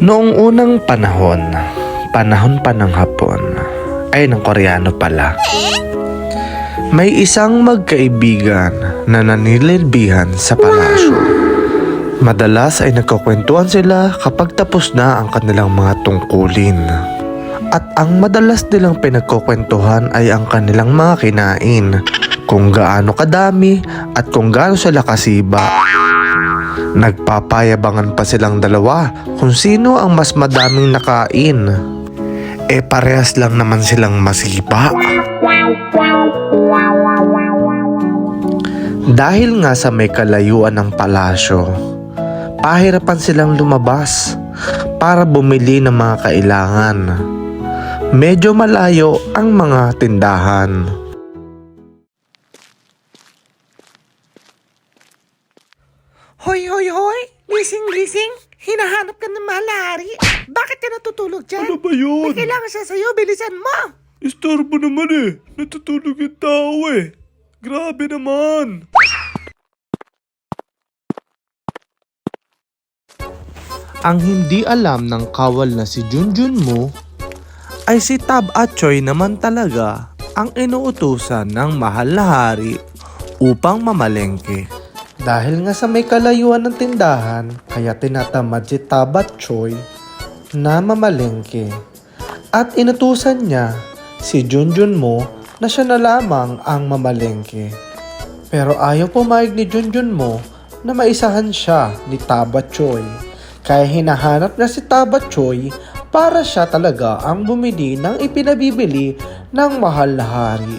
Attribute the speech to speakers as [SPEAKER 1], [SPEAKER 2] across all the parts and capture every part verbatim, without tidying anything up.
[SPEAKER 1] Noong unang panahon, panahon pa ng Hapon, ay ng Koreano pala. May isang magkaibigan na nanililbihan sa palasyo. Madalas ay nagkukwentuhan sila kapag tapos na ang kanilang mga tungkulin. At ang madalas nilang pinagkukwentuhan ay ang kanilang mga kinain, kung gaano kadami at kung gaano sila kasiba. Nagpapayabangan pa silang dalawa kung sino ang mas madaming nakain. Eh parehas lang naman silang masiba. Dahil nga sa may kalayuan ng palasyo, pahirapan silang lumabas para bumili ng mga kailangan. Medyo malayo ang mga tindahan.
[SPEAKER 2] Hoy, hoy, hoy! Gising, gising! Hinahanap ka ng malari! Bakit ka natutulog dyan?
[SPEAKER 3] Ano ba yun?
[SPEAKER 2] May kailangan siya sa'yo, bilisan mo!
[SPEAKER 3] Istorbo naman eh. Natutulog yung tao eh. Grabe naman.
[SPEAKER 1] Ang hindi alam ng kawal na si Junjun mo ay si Tab at Choi naman talaga ang inuutusan ng mahal na hari upang mamalengke. Dahil nga sa may kalayuan ng tindahan, kaya tinatamad si Tab at Choi na mamalengke. At inutusan niya si Junjun mo na siya na lamang ang mamalengke. Pero ayaw pumayag ni Junjun mo na maisahan siya ni Tab at Choi. Kaya hinahanap na si Tab at Choi para siya talaga ang bumili ng ipinabibili ng mahal na hari.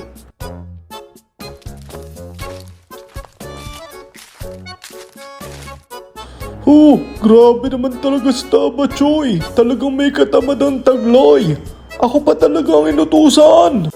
[SPEAKER 3] Oh, grabe naman talaga si Taba Choy. Talagang may katamadang tagloy. Ako pa talaga ang inutusan.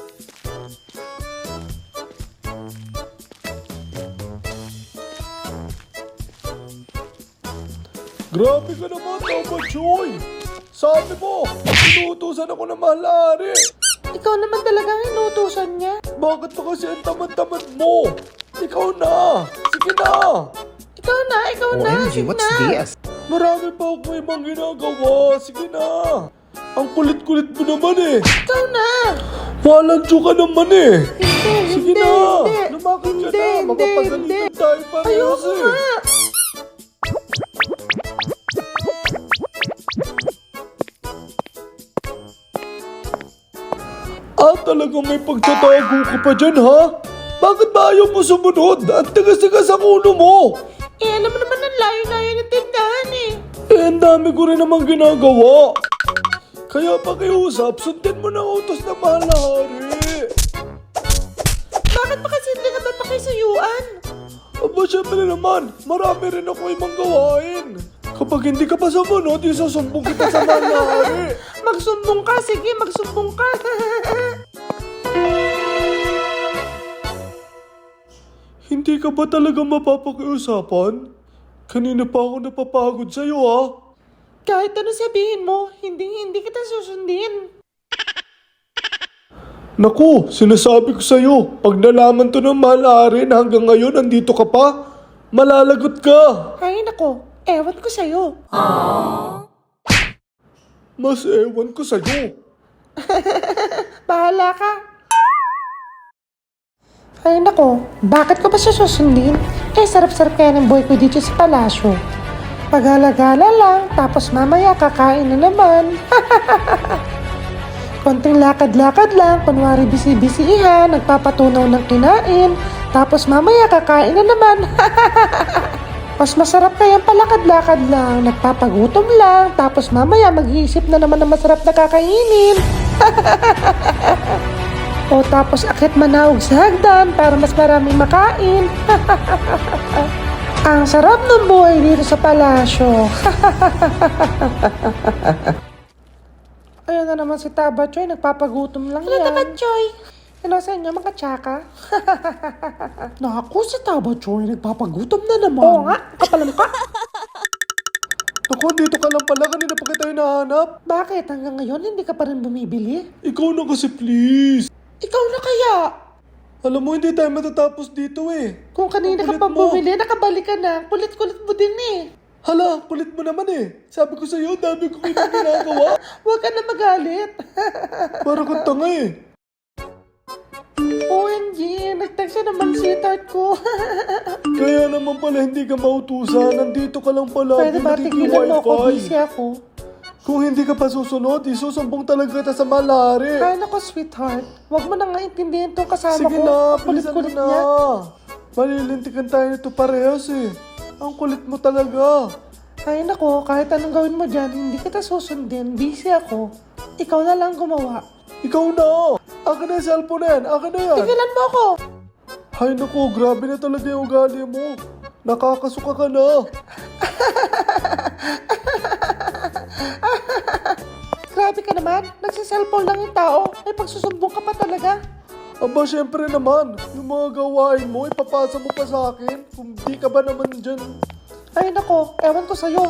[SPEAKER 3] Grabe ka naman, Taba Choy. Sabi mo, inutusan ako ng malari.
[SPEAKER 2] Ikaw naman talaga ang inutusan niya.
[SPEAKER 3] Bakit pa kasi ang tamad-tamad mo? Ikaw na. Sige na.
[SPEAKER 2] Ikaw na, ikaw na, sige na.
[SPEAKER 3] Marami pa ako ibang ginagawa. Sige na. Ang kulit-kulit mo naman eh.
[SPEAKER 2] Ikaw na.
[SPEAKER 3] Walang ka naman eh.
[SPEAKER 2] Hindi,
[SPEAKER 3] Sige
[SPEAKER 2] hindi,
[SPEAKER 3] na.
[SPEAKER 2] hindi.
[SPEAKER 3] Lumakad ka
[SPEAKER 2] Hindi,
[SPEAKER 3] na.
[SPEAKER 2] hindi,
[SPEAKER 3] Magpapagalitan
[SPEAKER 2] hindi.
[SPEAKER 3] tayo parehas
[SPEAKER 2] Ayoko
[SPEAKER 3] eh.
[SPEAKER 2] nga.
[SPEAKER 3] Ah, talagang may pagtatago ka pa dyan ha? Bakit ba ayaw mo sumunod? Ang tigas-tigas ang ulo mo.
[SPEAKER 2] Eh, alam mo naman ang layo-layo ng tindahan eh.
[SPEAKER 3] Eh, ang dami ko rin namang ginagawa. Kaya pakiusap, sundin mo na utos na mahal na hari.
[SPEAKER 2] Bakit ba kasi hindi ka ba pakisuyuan?
[SPEAKER 3] Aba, syempre naman, marami rin ako ibang gawain. Kapag hindi ka pa sumunod, isasumbong kita sa mahal na hari.
[SPEAKER 2] Magsumbong ka, sige, magsumbong ka.
[SPEAKER 3] Hindi ka ba talaga mapapakiusapan? Kanina pa ako napapagod sa'yo ha.
[SPEAKER 2] Kahit ano sabihin mo, hindi, hindi kita susundin.
[SPEAKER 3] Naku, sinasabi ko sa'yo, pag nalaman to ng mahal na hari na hanggang ngayon nandito ka pa, malalagot ka.
[SPEAKER 2] Ay, nako, ewan ko sa'yo.
[SPEAKER 3] Mas ewan ko sa'yo.
[SPEAKER 2] Bahala ka. Ay, nako, bakit ko ba siya susundin? Eh, sarap-sarap kaya ng boy ko dito sa palasyo. Pagala-gala lang, tapos mamaya kakain na naman. Konting lakad-lakad lang, kunwari bisi-bisihan, nagpapatunaw ng kinain, tapos mamaya kakain na naman. Mas masarap kayang palakad-lakad lang, nagpapagutom lang, tapos mamaya mag-iisip na naman ng masarap na kakainin. O tapos akit manawag sa hagdan para mas maraming makain. Ang sarap ng buhay dito sa palasyo. Ayun na naman si Taba Choy, nagpapagutom lang yan. Ano Taba Choy? Ano sa inyo, mga tsaka? Naku, si Taba Choy, nagpapagutom na naman. Oo nga, kapalam ka.
[SPEAKER 3] Naku, dito ka lang pala, kanina pa kita hinahanap.
[SPEAKER 2] Bakit? Hanggang ngayon, hindi ka pa rin bumibili?
[SPEAKER 3] Ikaw na kasi please.
[SPEAKER 2] Ikaw na kaya?
[SPEAKER 3] Alam mo, hindi tayo matatapos dito eh.
[SPEAKER 2] Kung kanina ka
[SPEAKER 3] Ang
[SPEAKER 2] pa
[SPEAKER 3] kulit mo.
[SPEAKER 2] bumili, nakabalik ka na. Kulit-kulit mo din eh.
[SPEAKER 3] Hala, kulit mo naman eh. Sabi ko sa'yo, dami ko ginagawa.
[SPEAKER 2] Huwag ka na magalit.
[SPEAKER 3] Para kang tanga eh.
[SPEAKER 2] O M G, nag-text siya naman sweetheart ko.
[SPEAKER 3] Kaya naman pala hindi ka mautusan. Nandito ka lang pala.
[SPEAKER 2] Pwede ba tigilan mo ako? Busy ako.
[SPEAKER 3] Kung hindi ka pa susunod, isusumbong talaga kita sa malari.
[SPEAKER 2] Ay, nako sweetheart. Huwag mo na nga intindihin itong kasama
[SPEAKER 3] Sige
[SPEAKER 2] ko.
[SPEAKER 3] na,
[SPEAKER 2] Ang
[SPEAKER 3] bilisan mo
[SPEAKER 2] kulit-kulit
[SPEAKER 3] na.
[SPEAKER 2] niya.
[SPEAKER 3] Malilintikan tayo nito parehas eh. Ang kulit mo talaga.
[SPEAKER 2] Ay, nako, kahit anong gawin mo dyan, hindi kita susundin. Busy ako. Ikaw na lang gumawa.
[SPEAKER 3] Ikaw na. Akin na yung cellphone na yan. Akin na yan.
[SPEAKER 2] Tigilan mo ako.
[SPEAKER 3] Hay naku, grabe na talaga yung ugali mo. Nakakasuka ka na.
[SPEAKER 2] Grabe ka naman. Nagsiselfone lang yung tao. Ay, pagsusumbong ka pa talaga.
[SPEAKER 3] Aba, syempre naman. Yung mga gawain mo, ipapasa mo pa sa akin. Kung di ka ba naman dyan.
[SPEAKER 2] Ay, nako, ewan ko sa'yo.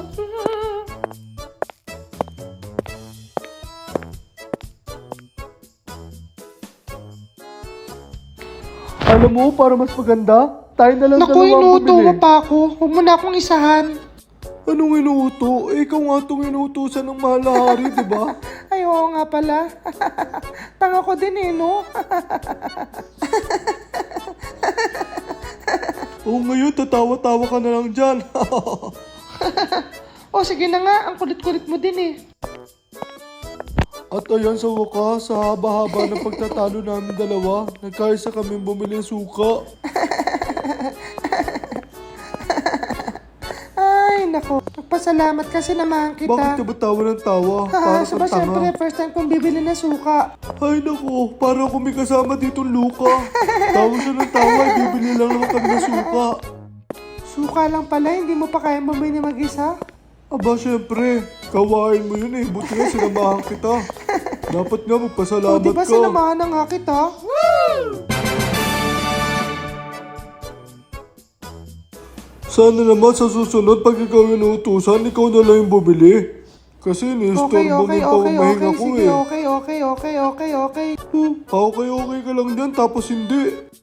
[SPEAKER 3] Alam mo, para mas maganda, tayo na lang
[SPEAKER 2] Naku,
[SPEAKER 3] dalawang
[SPEAKER 2] inuuto
[SPEAKER 3] bumili.
[SPEAKER 2] mo pa ako. Huwag mo na akong isahan.
[SPEAKER 3] Anong inuuto? Eh, ikaw nga itong inuutosan ng mahal na hari, di ba?
[SPEAKER 2] Ay, oo nga pala. Tanga ko din eh, no?
[SPEAKER 3] Oo, ngayon, tatawa-tawa ka na lang dyan.
[SPEAKER 2] O, sige na nga. Ang kulit-kulit mo din eh.
[SPEAKER 3] At ayan sa wakas, sa haba-haba ng pagtatalo namin dalawa, nagkaisa kami bumili ng suka.
[SPEAKER 2] Ay, nako. Nagpasalamat kasi naman kita.
[SPEAKER 3] Bakit ka ba tawa ng tawa? Para
[SPEAKER 2] Sa
[SPEAKER 3] kang
[SPEAKER 2] ba, siyempre,
[SPEAKER 3] tanga.
[SPEAKER 2] first time kong bibili ng suka.
[SPEAKER 3] Ay naku, para kung may kasama dito Luka. Tawa siya ng tawa, eh, bibili lang naman kami ng suka.
[SPEAKER 2] Suka lang pala, hindi mo pa kaya bumili mag-isa?
[SPEAKER 3] Aba, syempre, kawain mo yun eh. Buti nga sinamahan kita. Dapat nga magpasalamat
[SPEAKER 2] O, di ba
[SPEAKER 3] ka.
[SPEAKER 2] sinamahan na nga kita?
[SPEAKER 3] Sana naman sa susunod, pag ikaw yung inuutusan, ikaw na lang yung bumili. Kasi
[SPEAKER 2] Okay,
[SPEAKER 3] ni-storbo
[SPEAKER 2] okay,
[SPEAKER 3] mo pa
[SPEAKER 2] okay,
[SPEAKER 3] umahinga
[SPEAKER 2] okay.
[SPEAKER 3] ko
[SPEAKER 2] Sige,
[SPEAKER 3] eh.
[SPEAKER 2] okay, okay, okay, okay, okay.
[SPEAKER 3] Hmm, okay, okay ka lang dyan, tapos hindi.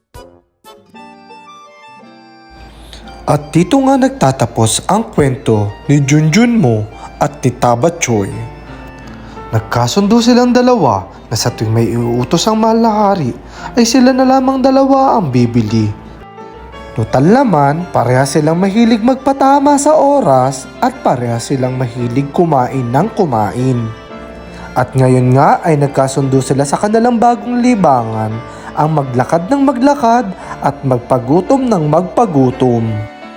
[SPEAKER 1] At dito nga nagtatapos ang kwento ni Junjun Mo at ni Taba Choi. Nagkasundo silang dalawa na sa tuwing may iuutos ang mahal na hari ay sila na lamang dalawa ang bibili. Total naman, parehas silang mahilig magpatama sa oras at parehas silang mahilig kumain ng kumain. At ngayon nga ay nagkasundo sila sa kanilang bagong libangan ang maglakad ng maglakad at magpagutom ng magpagutom.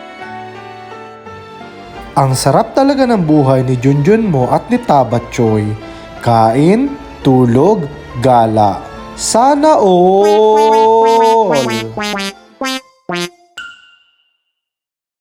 [SPEAKER 1] Ang sarap talaga ng buhay ni Junjun Mo at ni Taba Choi. Kain, tulog, gala. Sana all!